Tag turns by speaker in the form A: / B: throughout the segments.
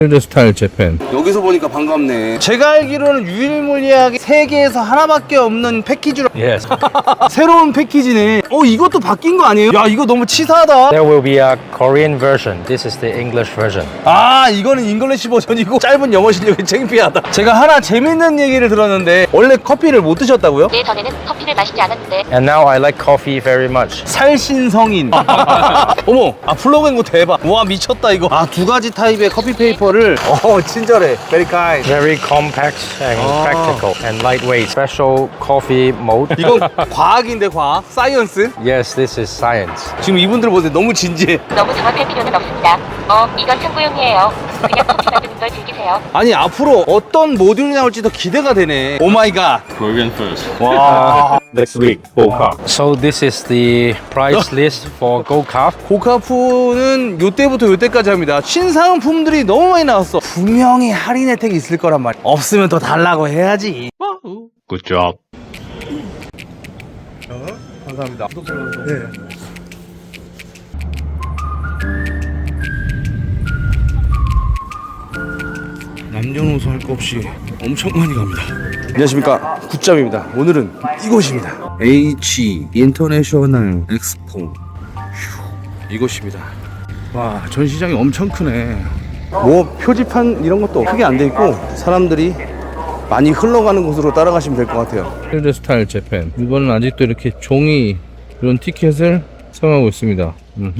A: 필드스타일 재팬.
B: 여기서 보니까 반갑네. 제가 알기로는 유일무이하게 세계에서 하나밖에 없는 패키지로.
A: Yes.
B: 새로운 패키지네. 이것도 바뀐 거 아니에요? 야, 이거 너무 치사하다.
A: There will be a Korean version. This is the English version.
B: 아, 이거는 잉글리시 버전이고 짧은 영어 실력이 창피하다. 제가 하나 재밌는 얘기를 들었는데 원래 커피를 못 드셨다고요?
C: 네, 전에는 커피를 마시지 않았는데
A: And now I like coffee very much.
B: 살신성인. 어머, 플러그인거 대박. 와, 미쳤다 이거. 두 가지 타입의 커피 페이퍼를. 친절해. Very kind.
A: Very compact and practical and lightweight. Special coffee mode.
B: 이건 과학인데 과학? 사이언스?
A: Yes, this is science.
B: 지금 이분들 보세요. 너무 진지해.
C: 너무 당황할 필요는 없습니다. 이건 참고용이에요. 그냥 커피 만드는 걸 즐기세요.
B: 아니, 앞으로 어떤 모듈이 나올지 더 기대가 되네. 오 마이 갓.
D: Korean first.
B: 와.
D: Next week, Boca.
A: So this is the price list for Go-Kart.
B: 고카푸는 요때부터 요때까지 합니다. 신상품들이 너무 많이 나왔어. 분명히 할인 혜택이 있을 거란 말이야. 없으면 더 달라고 해야지.
D: Good job.
B: 감사합니다. 남녀노소 할 거 없이 엄청 많이 갑니다. 안녕하십니까, 굿잡입니다. 오늘은 이곳입니다. H 인터내셔널 엑스포. 이곳입니다. 와, 전시장이 엄청 크네. 뭐 표지판 이런 것도 크게 안 돼 있고 사람들이 많이 흘러가는 곳으로 따라가시면 될 것 같아요.
A: 필드스타일 재팬. 이번은 아직도 이렇게 종이 이런 티켓을 사용하고 있습니다.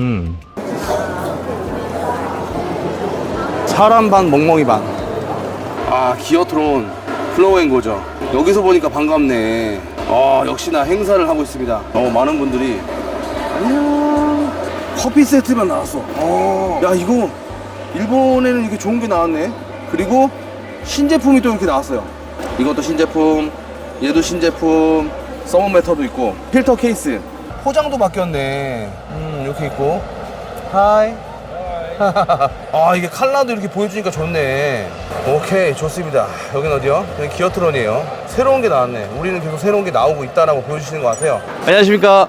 B: 사람 반 멍멍이 반. 기어트론 플로우앤고죠. 여기서 보니까 반갑네. 역시나 행사를 하고 있습니다. 많은 분들이. 안녕. 커피 세트만 나왔어. 야, 이거 일본에는 이렇게 좋은 게 나왔네. 그리고 신제품이 또 이렇게 나왔어요. 이것도 신제품, 얘도 신제품, 서머매터도 있고, 필터 케이스, 포장도 바뀌었네. 이렇게 있고. 하이. 이게 컬러도 이렇게 보여주니까 좋네. 오케이, 좋습니다. 여긴 어디요? 여기 기어트론이에요. 새로운 게 나왔네. 우리는 계속 새로운 게 나오고 있다라고 보여주시는 것 같아요. 안녕하십니까.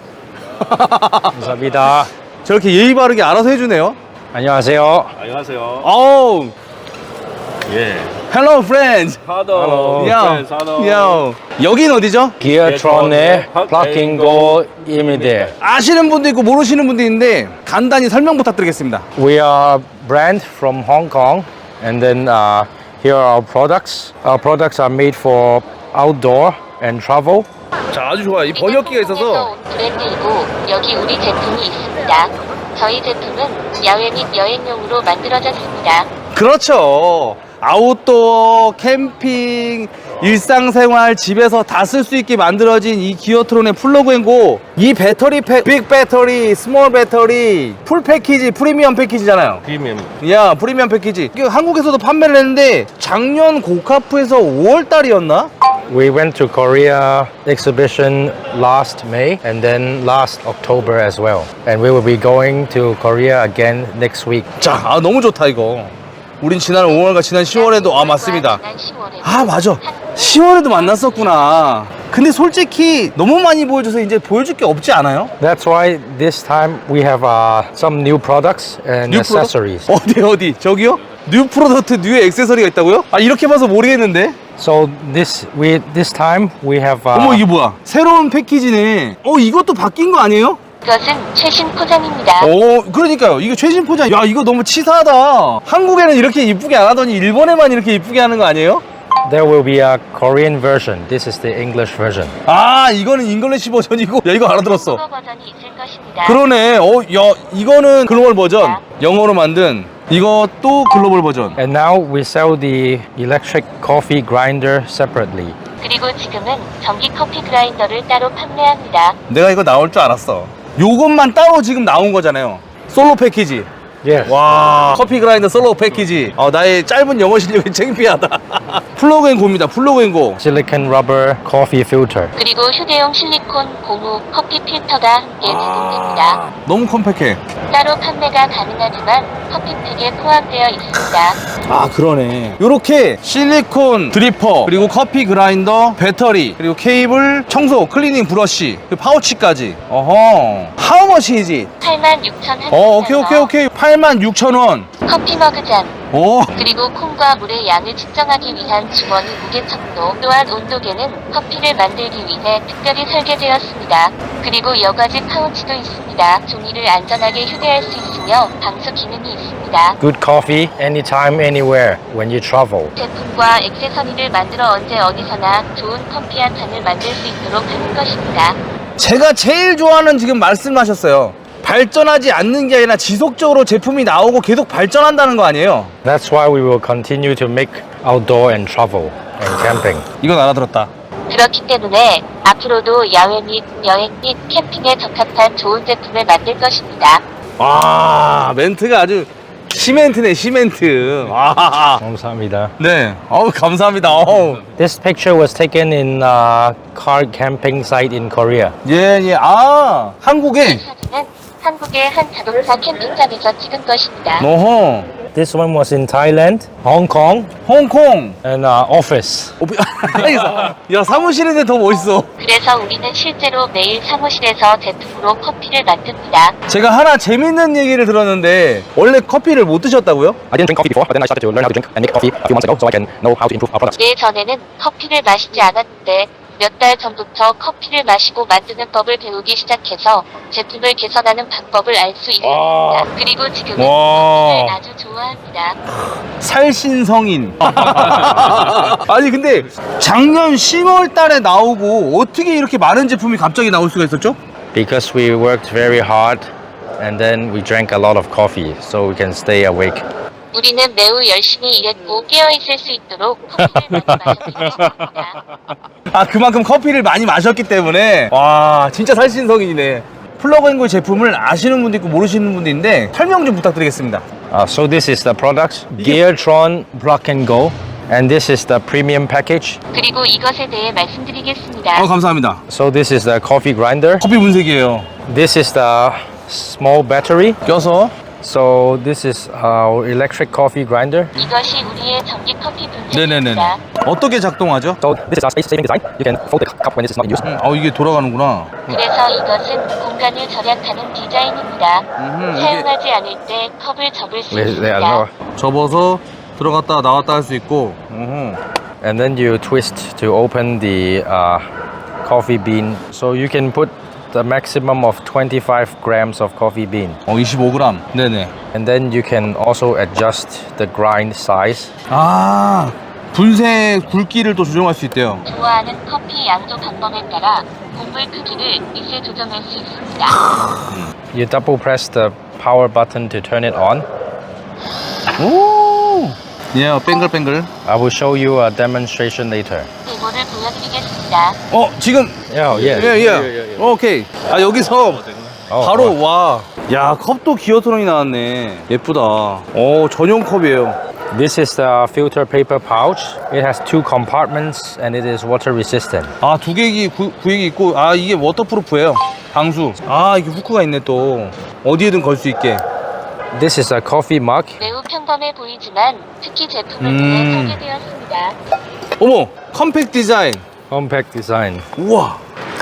A: 감사합니다.
B: 저렇게 예의 바르게 알아서 해주네요.
A: 안녕하세요.
D: 안녕하세요.
B: Oh,
D: Yeah.
B: hello friends.
D: Hello.
B: 야, 야. 여긴 어디죠?
A: 기어트론의 플러그인고입니다.
B: 아시는 분도 있고 모르시는 분도 있는데 간단히 설명 부탁드리겠습니다.
A: We are a brand from Hong Kong, and then here are our products. Our products are made for outdoor and travel.
B: 자, 아주 좋아요. 이 번역기가 있어서.
C: 온 브랜드이고 여기 우리 제품이 있습니다. 저희 제품은 야외 및 여행용으로 만들어졌습니다.
B: 그렇죠. 아웃도어, 캠핑, 일상생활, 집에서 다 쓸 수 있게 만들어진 이 기어트론의 플러그앤고. 이 배터리 팩, 빅 배터리, 스몰 배터리, 풀 패키지, 프리미엄 패키지잖아요.
D: Premium.
B: 야, 프리미엄 패키지. 이거 한국에서도 판매를 했는데 작년 고카프에서 5월달이었나?
A: We went to Korea exhibition last May and then last October as well. And we will be going to Korea again next week.
B: 자, 너무 좋다 이거. 우린 지난 5월과 지난 10월에도 맞습니다.
C: 지난 10월에도
B: 맞아. 10월에도 만났었구나. 근데 솔직히 너무 많이 보여줘서 이제 보여줄 게 없지 않아요?
A: That's why this time we have some new products and
B: 뉴
A: accessories.
B: 프로덕트? 어디? 저기요? 뉴 프로덕트, 뉴 액세서리가 있다고요? 이렇게 봐서 모르겠는데.
A: So this time we have
B: 어머, 이게 뭐야? 새로운 패키지네. 이것도 바뀐 거 아니에요?
C: 이것은 최신 포장입니다.
B: 그러니까요. 이거 최신 포장. 야, 이거 너무 치사하다. 한국에는 이렇게 이쁘게 안 하더니 일본에만 이렇게 이쁘게 하는 거 아니에요?
A: there will be a Korean version. This is the English version.
B: 이거는 잉글리시 버전이고. 야, 이거 알아들었어.
C: 한국어 버전이 있을 것입니다.
B: 그러네. 야, 이거는 글로벌 버전. 영어로 만든. 이것도 글로벌 버전.
A: And now we sell the electric coffee grinder separately.
C: 그리고 지금은 전기 커피 그라인더를 따로 판매합니다.
B: 내가 이거 나올 줄 알았어. 요것만 따로 지금 나온 거잖아요. 솔로 패키지.
A: Yes.
B: 와, 커피 그라인더 솔로 패키지. 나의 짧은 영어 실력이 창피하다. 플러그앤고입니다. 플러그앤고.
A: Silicon rubber coffee filter.
C: 그리고 휴대용 실리콘 고무 커피 필터가 함께 제공됩니다.
B: 너무 컴팩해.
C: 따로 판매가 가능하지만 커피팩에 포함되어 있습니다.
B: 그러네. 요렇게 실리콘 드리퍼, 그리고 커피 그라인더, 배터리, 그리고 케이블, 청소, 클리닝 브러쉬, 그리고 파우치까지. How much is it?
C: 86,000원.
B: 오케이. 86,000원.
C: 커피 머그잔.
B: 오.
C: 그리고 콩과 물의 양을 측정하기 위한 주머니 무게척도, 또한 온도계는 커피를 만들기 위해 특별히 설계되었습니다. 그리고 여과지 파우치도 있습니다. 종이를 안전하게 휴대할 수 있으며 방수 기능이 있습니다.
A: Good coffee anytime, anywhere when you travel.
C: 제품과 액세서리를 만들어 언제 어디서나 좋은 커피 한 잔을 만들 수 있도록 하는 것입니다.
B: 제가 제일 좋아하는 지금 말씀하셨어요. 발전하지 않는 게 아니라 지속적으로 제품이 나오고 계속 발전한다는 거 아니에요?
A: That's why we will continue to make outdoor and travel and camping.
B: 이건 알아들었다.
C: 그렇기 때문에 앞으로도 야외 및 여행 및 캠핑에 적합한 좋은 제품을 만들 것입니다.
B: 와, 멘트가 아주 시멘트네, 시멘트. 와.
A: 감사합니다.
B: 네. 어우, 감사합니다. 어우.
A: This picture was taken in a car camping site in Korea.
B: 예, 예. 아, 한국에.
C: 사진은 한국의 한 자동차 캠핑장에서 찍은 것입니다.
B: 어허.
A: This one was in Thailand, Hong Kong,
B: 홍콩.
A: and office.
B: 야, 사무실인데 더 멋있어.
C: 그래서 우리는 실제로 매일 사무실에서 제품으로 커피를 만듭니다.
B: 제가 하나 재밌는 얘기를 들었는데 원래 커피를 못 드셨다고요?
A: I didn't drink coffee before, but then I started to learn how to drink and make coffee a few months ago, so I can know how to improve our products.
C: 예전에는 커피를 마시지 않았는데 몇 달 전부터 커피를 마시고 만드는 법을 배우기 시작해서 제품을 개선하는 방법을 알 수 있습니다. 그리고 지금은
B: 와.
C: 커피를 아주 좋아합니다.
B: 살신성인. 아니 근데 작년 10월 달에 나오고 어떻게 이렇게 많은 제품이 갑자기 나올 수가 있었죠?
A: Because we worked very hard, and then we drank a lot of coffee, so we can stay awake.
C: 우리는 매우 열심히 일했고 깨어있을 수 있도록 커피를 많이 마셨기 때문입니다.
B: 아, 그만큼 커피를 많이 마셨기 때문에. 와, 진짜 살신성인이네. 플러그앤고 제품을 아시는 분도 있고 모르시는 분도 있는데 설명 좀 부탁드리겠습니다.
A: So this is the product, Geartron Block and Go, and this is the premium package.
C: 그리고 이것에 대해 말씀드리겠습니다.
B: 감사합니다.
A: So this is the coffee grinder.
B: 커피 분쇄기예요.
A: This is the small battery.
B: 껴서.
A: So this is our electric coffee grinder.
C: 이것이 우리의 전기 커피
B: 네네네.
C: 분쇄기입니다.
B: 어떻게 작동하죠?
A: So this is our space-saving design. You can fold the cup when it is not in use.
B: 이게 돌아가는구나.
C: 그래서 이것은 공간을 절약하는 디자인입니다.
B: 이게
C: 사용하지 않을 때 컵을 접을 수
A: Wait,
C: 있습니다.
A: no.
B: 접어서 들어갔다 나왔다 할 수 있고.
A: And then you twist to open the coffee bean. So you can put the maximum of 25 grams of coffee bean.
B: 25g. 네네.
A: And then you can also adjust the grind size.
B: 아, 분쇄 굵기를 또 조정할 수 있대요.
C: 좋아하는 커피 양조 방법에 따라 곡물 크기를 미세 조정할 수 있습니다.
A: You double press the power button to turn it on.
B: 오. 예, 뱅글뱅글.
A: I will show you a demonstration later.
C: 데모를 보여드리겠습니다.
B: 지금.
A: Yeah,
B: 예. 오케이. 아, 여기서
A: Oh,
B: 바로
A: wow.
B: 와. 야, 컵도 기어트론이 나왔네. 예쁘다. 전용 컵이에요.
A: This is the filter paper pouch. It has 2 compartments and it is water resistant.
B: 아, 두 개기 구획이 있고, 이게 워터프루프예요. 방수. 이게 후크가 있네 또. 어디에든 걸 수 있게.
A: This is a coffee mug.
C: 매우 평범해 보이지만 특히 제품을 위해 설계되었습니다.
B: 어머, 컴팩트 디자인.
A: Compact design.
B: 우와.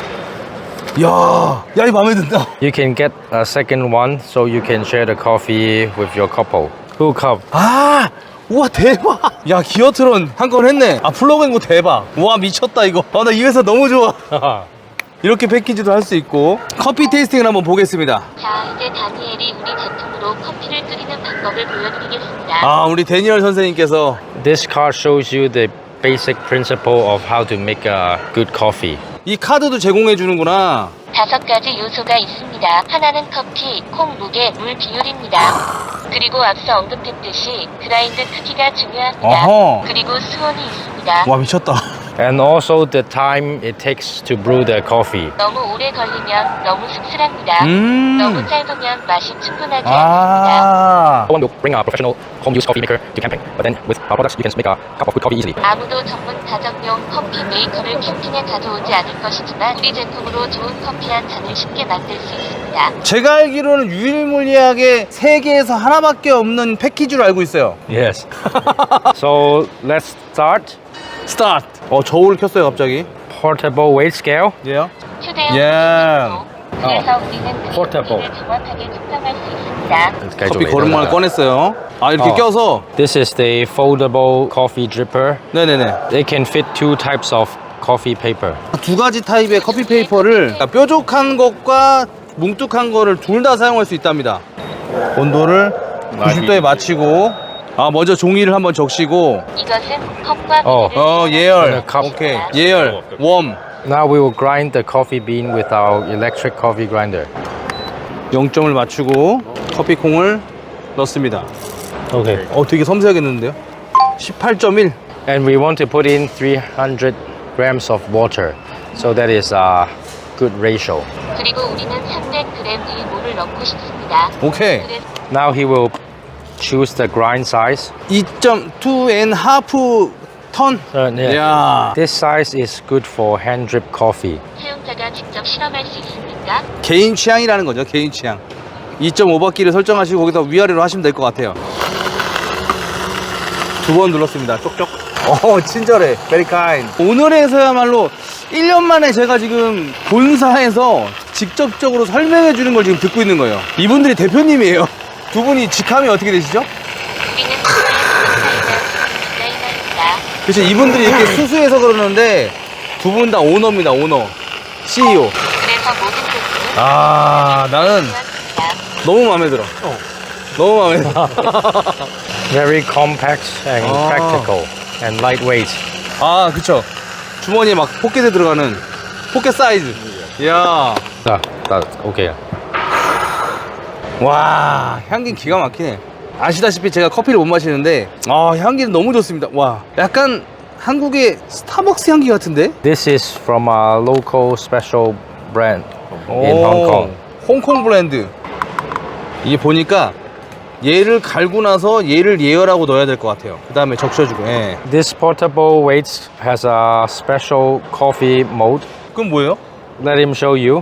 B: 야, 이 마음에 든다.
A: You can get a second one so you can share the coffee with your couple. Two cup.
B: 우와, 대박. 야, 기어트론 한 건 했네. 플러그앤고 대박. 우와, 미쳤다 이거. 나 이 회사 너무 좋아. 이렇게 패키지도 할 수 있고. 커피 테이스팅을 한번 보겠습니다.
C: 자, 이제 다니엘이 우리 제품으로 커피를 끓이는 방법을 보여드리겠습니다.
B: 우리 데니얼 선생님께서.
A: This card shows you the basic principle of how to make a good coffee.
B: 이 카드도 제공해 주는구나.
C: 5가지 요소가 있습니다. 하나는 커피, 콩 무게, 물 비율입니다. 그리고 앞서 언급했듯이 그라인드 크기가 중요합니다.
B: 어허.
C: 그리고 수온이 있습니다.
B: 와, 미쳤다.
A: And also the time it takes to brew the coffee.
C: 너무 오래 걸리면 너무 씁쓸합니다. 너무 짧으면 맛이 충분하지 않습니다.
A: No one will bring a professional home use coffee maker to camping, but then with our products you can make a cup of good coffee easily.
C: 아무도 전문 가정용 커피 메이커를 캠핑에 가져오지 않을 것이지만 우리 제품으로 좋은 커피 한 잔을 쉽게 만들 수 있습니다.
B: 제가 알기로는 유일무이하게 세계에서 하나밖에 없는 패키지로 알고 있어요.
A: Yes. So let's start.
B: 스타트. 저울을 켰어요 갑자기.
A: Portable weight scale.
B: 예.
C: 휴대용
B: 예.
C: 그래서 우리는 그
A: Portable.
C: 커피를 정확하게 측정할 수 있습니다.
B: 커피 거름망을 꺼냈어요. 아, 이렇게
A: 어.
B: 껴서.
A: This is the foldable coffee dripper.
B: 네네네.
A: They can fit 2 types of coffee paper.
B: 두 가지 타입의 커피 페이퍼를, 그러니까 뾰족한 것과 뭉툭한 거를 둘 다 사용할 수 있답니다. 온도를 90도에 맞추고, 아, 먼저 종이를 한번 적시고,
C: 이것은 컵과
A: 어.
C: 비닐을
B: 예열.
A: 컵.
B: 오케이. 예열. 웜.
A: Now we will grind the coffee bean with our electric coffee grinder.
B: 0점을 맞추고 커피콩을 넣습니다.
A: Okay.
B: 되게 섬세하겠는데요? 18.1.
A: And we want to put in 300 grams of water. So that is a good ratio.
C: 그리고 우리는 300g의 물을 넣고 싶습니다.
B: 오케이.
C: 그래서
A: Now he will choose the grind size.
B: 2.2 턴.
A: Yeah.
B: 이야.
A: This size is good for hand drip coffee.
C: 사용자가 직접 실험할 수 있습니까?
B: 개인 취향이라는 거죠. 개인 취향. 2.5바퀴를 설정하시고 거기서 위아래로 하시면 될 것 같아요. 2번 눌렀습니다. 쪽쪽. 친절해. Very kind. 오늘에서야말로 1년 만에 제가 지금 본사에서 직접적으로 설명해 주는 걸 지금 듣고 있는 거예요. 이분들이 대표님이에요. 두 분이 직함이 어떻게 되시죠?
C: 우리는 디자이너입니다.
B: 그렇죠. 이분들이 이렇게 수수해서 그러는데 두 분 다 오너입니다. 오너. CEO.
C: 그래서 모든 제품은
B: 아, 나는
C: 좋았습니다.
B: 너무 마음에 들어. 너무 마음에 들어.
A: Very compact and
B: Ah.
A: practical and lightweight.
B: 아, 그쵸. 주머니에 막 포켓에 들어가는 포켓 사이즈. 이야.
A: Okay.
B: 와, 향기 기가 막히네. 아시다시피 제가 커피를 못 마시는데, 향기는 너무 좋습니다. 와, 약간 한국의 스타벅스 향기 같은데?
A: This is from a local special brand in Hong Kong.
B: 홍콩 브랜드. 이게 보니까 얘를 갈고 나서 얘를 예열하고 넣어야 될 것 같아요. 그 다음에 적셔주고. 예.
A: This portable weights has a special coffee mode.
B: 그건 뭐예요?
A: Let him show you.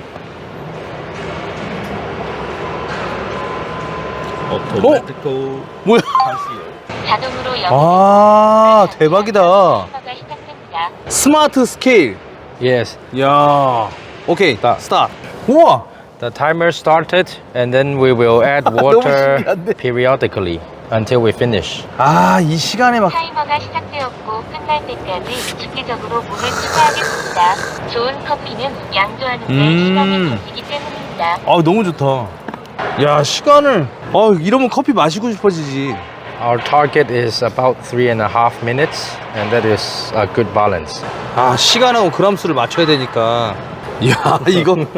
D: Automatical
B: 뭐야?
C: 자동으로
B: 아, 대박이다.
C: 타이머가 시작됩니다.
B: 스마트 스케일.
A: Yes.
B: 이야. 오케이,
A: 스타트.
B: 스타트. 우와!
A: The timer started and then we will add
B: 너무
A: water
B: 신기한데?
A: periodically until we finish.
B: 아, 이 시간에 막.
C: 타이머가 시작되었고 끝날 때까지 주기적으로 물을 추가하겠습니다. 좋은 커피는 양조하는 데 시간이 걸리기 때문입니다.
B: 너무 좋다. 야, 시간을. 이러면 커피 마시고 싶어지지.
A: Our target is about 3.5 minutes and that is a good balance.
B: 시간하고 그람수를 맞춰야 되니까. 이야, 이건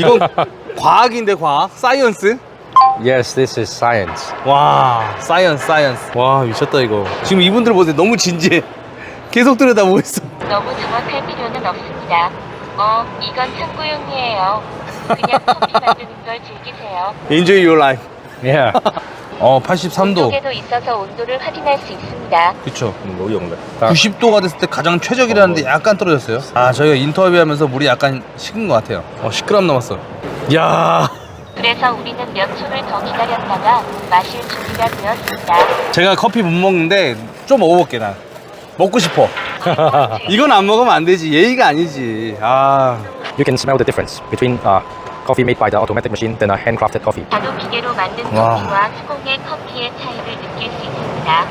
B: 과학인데, 과학? 사이언스?
A: Yes, this is science.
B: 와, 사이언스. 와, 미쳤다, 이거. 지금 이분들 보세요. 너무 진지해. 계속 들여다보고 있어.
C: 너무 정확할 필요는 없습니다. 이건 참고용이에요. 그냥 커피 만드는 걸 즐기세요.
B: Enjoy your life.
A: Yeah.
B: 83도.
C: 온도계도 있어서 온도를 확인할 수 있습니다.
B: 그쵸.
D: Ngủ dùng đấy.
B: 90도가 됐을 때 가장 최적이라는데 약간 떨어졌어요. 저희가 인터뷰하면서 물이 약간 식은 것 같아요. 10g 남았어. 이야.
C: 그래서 우리는 몇 초를 더 기다렸다가 마실 준비가 되었습니다.
B: 제가 커피 못 먹는데 좀 먹어볼게, 난. 먹고 싶어. 이건 안 먹으면 안 되지. 예의가 아니지.
A: You can smell the difference between coffee made by the automatic machine than a handcrafted coffee.
C: 자동 기계로 만든
B: 와.
C: 커피와 수공의 커피의 차이를 느낄 수 있습니다.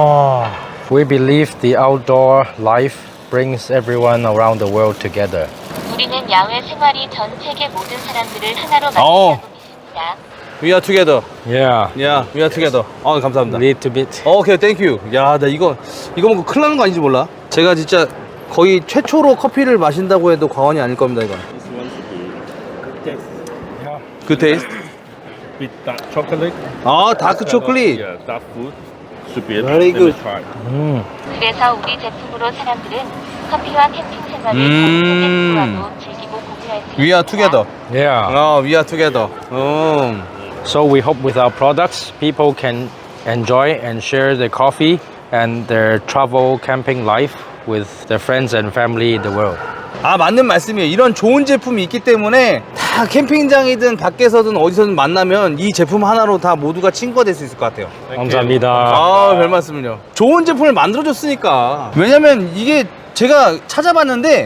A: We believe the outdoor life brings everyone around the world together.
C: 우리는 야외 생활이 전 세계 모든 사람들을 하나로
B: 어.
C: 만든다고 믿습니다.
B: We are together.
A: Yeah.
B: Yeah, we are together. 감사합니다.
A: Bit to bit.
B: 오케이, 땡큐. 야, 나 이거 먹고 큰일 나는 거 아닌지 몰라. 제가 진짜 거의 최초로 커피를 마신다고 해도 과언이 아닐 겁니다, 이건.
D: This one should be good taste.
B: 그 테이스트.
D: With dark chocolate.
B: 다크 초콜릿.
D: Yeah, dark food. Should be
B: Very
D: let me
B: good.
D: try.
C: 그래서 우리 제품으로 사람들은 커피와 캠핑 생활을 공유하고 즐기고 공유할 수 있습니다.
B: We are together.
A: Yeah.
B: We are together.
A: So we hope with our products, people can enjoy and share the coffee and their travel camping life with their friends and family in the world.
B: 맞는 말씀이에요. 이런 좋은 제품이 있기 때문에 다 캠핑장이든 밖에서든 어디서든 만나면 이 제품 하나로 다 모두가 친구가 될 수 있을 것 같아요.
A: 감사합니다.
B: 별 말씀을요. 좋은 제품을 만들어줬으니까. 왜냐면 이게 제가 찾아봤는데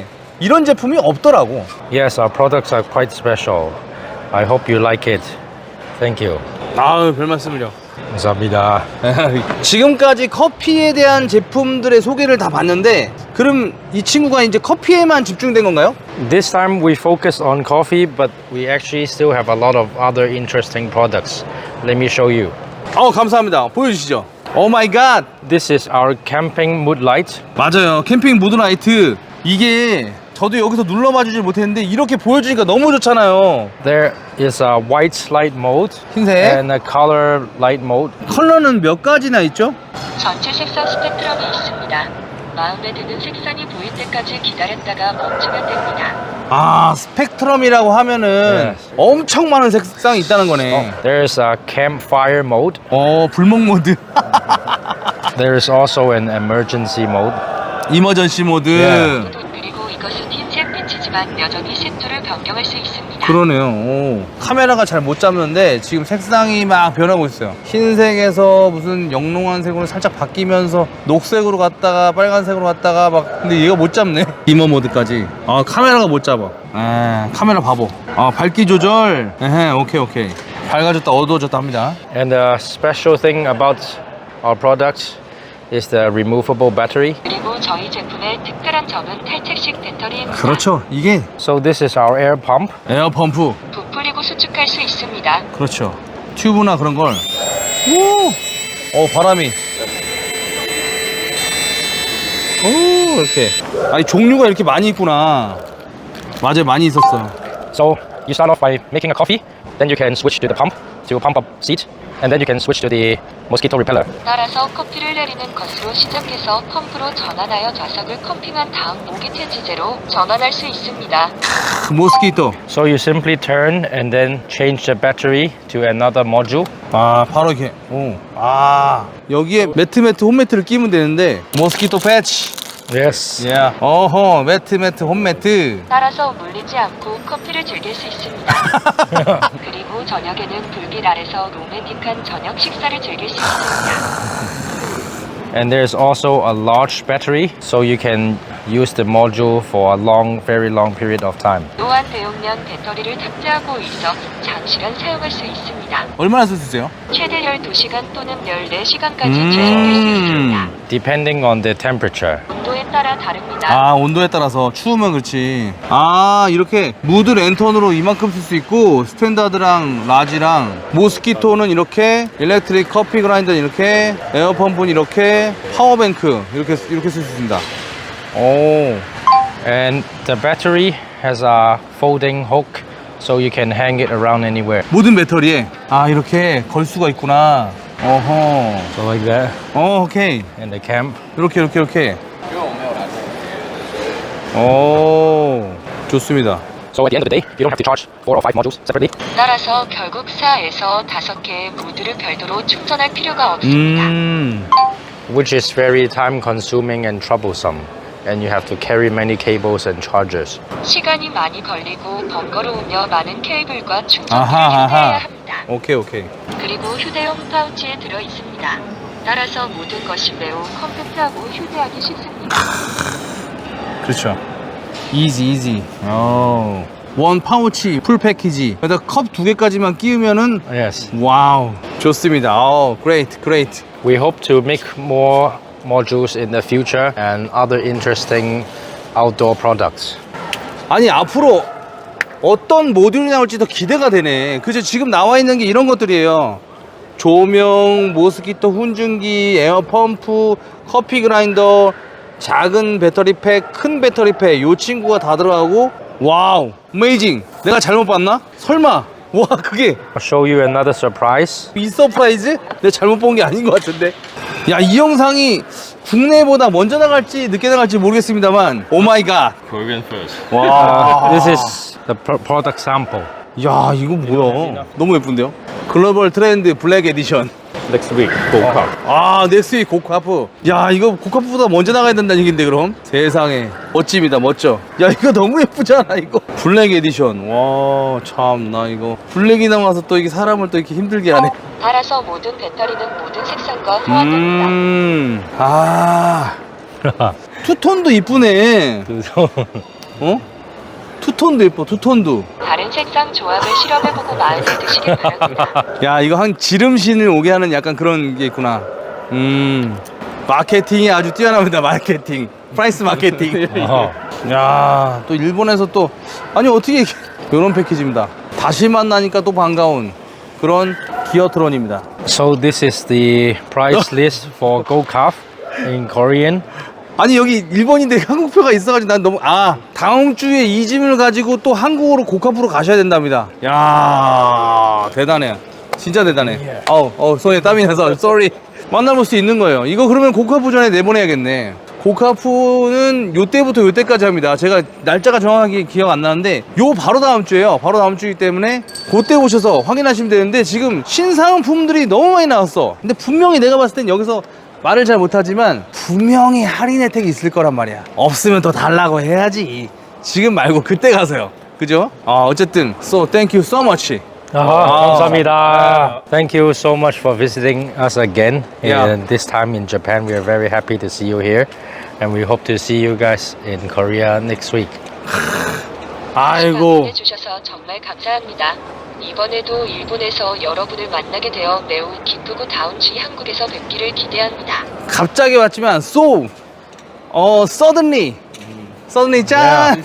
B: 이런 제품이 없더라고.
A: Yes, our products are quite special. I hope you like it. Thank you.
B: 아유, 별 말씀을요.
A: 감사합니다.
B: 지금까지 커피에 대한 제품들의 소개를 다 봤는데, 그럼 이 친구가 이제 커피에만 집중된 건가요?
A: This time we focus on coffee, but we actually still have a lot of other interesting products. Let me show you.
B: 감사합니다. 보여주시죠. 오 마이 갓.
A: This is our camping mood light.
B: 맞아요. 캠핑 무드라이트. 이게 저도 여기서 눌러봐 주질 못했는데 이렇게 보여주니까 너무 좋잖아요.
A: There is a white light mode
B: 흰색.
A: and a color light mode.
B: 컬러는 몇 가지나 있죠?
C: 전체 색상 스펙트럼이 있습니다. 마음에 드는 색상이 보일 때까지 기다렸다가 멈추면 됩니다.
B: 아, 스펙트럼이라고 하면은
A: Yes.
B: 엄청 많은 색상이 있다는 거네.
A: There is a campfire mode.
B: 불목 모드.
A: There is also an emergency mode.
B: 이머전시 모드.
A: 예.
C: 그리고 이것은 흰색 빛이지만 여전히 색조를 변경할 수 있습니다.
B: 그러네요. 오. 카메라가 잘 못 잡는데 지금 색상이 막 변하고 있어요. 흰색에서 무슨 영롱한 색으로 살짝 바뀌면서 녹색으로 갔다가 빨간색으로 갔다가 막, 근데 얘가 못 잡네. 이머 모드까지. 카메라가 못 잡아. 카메라 바보. 밝기 조절. 오케이. 밝아졌다 어두워졌다 합니다.
A: And the special thing about our products is the removable battery.
C: 그리고 저희 제품의 특별한 점은 탈착식 배터리입니다.
B: 그렇죠. 이게
A: So this is our air pump.
B: 에어 펌프.
C: 부풀리고 수축할 수 있습니다.
B: 그렇죠. 튜브나 그런 걸. 오! 바람이. 오, 이렇게. 아니, 종류가 이렇게 많이 있구나. 맞아요, 많이 있었어.
A: So you start off by making a coffee, then you can switch to the pump to pump up seat, and then you can switch to the mosquito repeller.
C: 따라서 커피를 내리는 것으로 시작해서 펌프로 전환하여 좌석을 컴핑한 다음 모기 퇴치제로 전환할 수 있습니다.
B: 모스키토.
A: So you simply turn and then change the battery to another module.
B: 바로 이렇게. 여기에 매트 홈매트를 끼면 되는데, 모스키토 패치.
A: Yes.
B: 어허, 매트 홈매트.
C: 따라서 물리지 않고 커피를 즐길 수 있습니다. 그리고 저녁에는 불빛 아래서 로맨틱한 저녁 식사를 즐길 수 있습니다.
A: And there's also a large battery, so you can use the module for a very long period of time.
C: 또한 대용량 배터리를 탑재하고 있어 장시간 사용할 수 있습니다.
B: 얼마나 쓸 수 있어요?
C: 최대 12시간 또는 14시간까지 제공될 수 있습니다.
A: Depending on the temperature.
C: 온도에 따라 다릅니다.
B: 온도에 따라서 추우면 그렇지. 이렇게 무드 랜턴으로 이만큼 쓸 수 있고, 스탠다드랑 라지랑 모스키토는 이렇게, 일렉트릭 커피 그라인더는 이렇게, 에어펌프는 이렇게, 파워뱅크 이렇게 쓸 수 있습니다.
A: And the battery has a folding hook, so you can hang it around anywhere.
B: 모든 배터리에 이렇게 걸 수가 있구나. 어허.
A: So like that.
B: 오케이.
A: In the camp.
B: 이렇게. 오, 좋습니다.
A: So at the end of the day, you don't have to charge 4 or 5 modules separately.
C: 따라서 결국 4에서 5개의 무드를 별도로 충전할 필요가 없습니다.
A: Which is very time consuming and troublesome. And you have to carry many cables and chargers.
C: 시간이 많이 걸리고 번거로우며 많은 케이블과 충전기를 휴대해야 합니다.
B: 오케이.
C: 그리고 휴대용 파우치에 들어 있습니다. 따라서 모든 것이 매우 컴팩트하고 휴대하기 쉽습니다.
B: 그렇죠. 이지. 원 파우치 풀 패키지. 그래서 컵 2개까지만 끼우면은
A: Yes.
B: 와우. 좋습니다. great.
A: We hope to make more modules in the future and other interesting outdoor products.
B: 아니, 앞으로 어떤 모듈이 나올지 더 기대가 되네. 그죠? 지금 나와 있는 게 이런 것들이에요. 조명, 모스키토 훈증기, 에어펌프, 커피 그라인더, 작은 배터리 팩, 큰 배터리 팩, 요 친구가 다 들어가고, 와우, 어메이징. 내가 잘못 봤나? 설마. 와, 그게
A: I'll show you another surprise.
B: 이 서프라이즈? 내가 잘못 본 게 아닌 것 같은데. 야, 이 영상이 국내보다 먼저 나갈지 늦게 나갈지 모르겠습니다만, 오 마이 갓.
D: Korean first.
B: 와.
A: This is the product sample.
B: 야, 이거 뭐야? 너무 예쁜데요? 글로벌 트렌드 블랙 에디션.
D: Next week, Gold
B: 넥스윅 고카프. 야, 이거 고카프보다 먼저 나가야 된다는 얘긴데, 그럼? 세상에. 멋집니다, 멋져. 야, 이거 너무 예쁘잖아, 이거. 블랙 에디션. 와, 참나, 이거. 블랙이 나와서 또 이게 사람을 또 이렇게 힘들게 하네.
C: 따라서 모든 배터리는 모든 색상과 호환됩니다.
B: 투톤도 이쁘네. 어? 투톤도 예뻐, 투톤도.
C: 다른 색상 조합을 실험해보고 마음에 드시길 바랍니다.
B: 야, 이거 한 지름신을 오게 하는 약간 그런 게 있구나. 마케팅이 아주 뛰어납니다. 마케팅, 프라이스 마케팅. 야, 또 일본에서 또 아니 어떻게 이런 패키지입니다. 다시 만나니까 또 반가운 그런 기어트론입니다.
A: So this is the price list for Go Calf in Korean.
B: 아니 여기 일본인데 한국표가 있어가지고 난 너무 다음 주에 이 짐을 가지고 또 한국으로 고카프로 가셔야 된답니다. 야, 대단해. 진짜 대단해. 손에 땀이 나서 sorry. 만나볼 수 있는 거예요. 이거 그러면 고카프 전에 내보내야겠네. 고카프는 요때부터 요때까지 합니다. 제가 날짜가 정확하게 기억 안 나는데 요 바로 다음 주에요. 바로 다음 주이기 때문에 그때 오셔서 확인하시면 되는데 지금 신상품들이 너무 많이 나왔어. 근데 분명히 내가 봤을 땐 여기서 말을 잘 못하지만 분명히 할인 혜택이 있을 거란 말이야. 없으면 더 달라고 해야지. 지금 말고 그때 가서요. 그죠? 어쨌든 so thank you so much.
A: 감사합니다. Thank you so much for visiting us again.
B: Yeah.
A: And this time in Japan, we are very happy to see you here, and we hope to see you guys in Korea next week.
B: 아이고.
C: 해주셔서 정말 감사합니다. 이번에도 일본에서 여러분을 만나게 되어 매우 기쁘고 다음 주 한국에서 뵙기를 기대합니다.
B: 갑자기 왔지만 so suddenly 짠.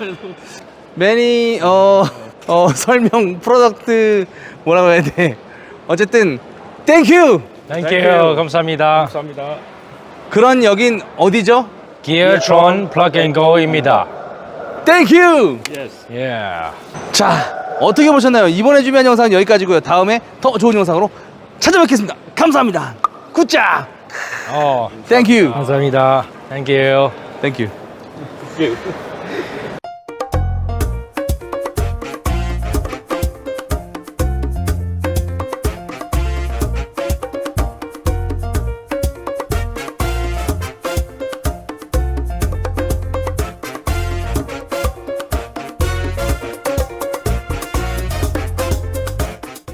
B: many 설명 프로덕트 뭐라고 해야 돼. 어쨌든 thank you.
A: Thank you. 감사합니다.
B: 그런 여긴 어디죠?
A: Geartron Plug and Go입니다.
B: thank you.
A: Yeah.
B: 자, 어떻게 보셨나요? 이번에 준비한 영상은 여기까지고요. 다음에 더 좋은 영상으로 찾아뵙겠습니다. 감사합니다. 굿자.
A: Oh,
B: thank you.
A: 감사합니다. Thank you.
B: thank you.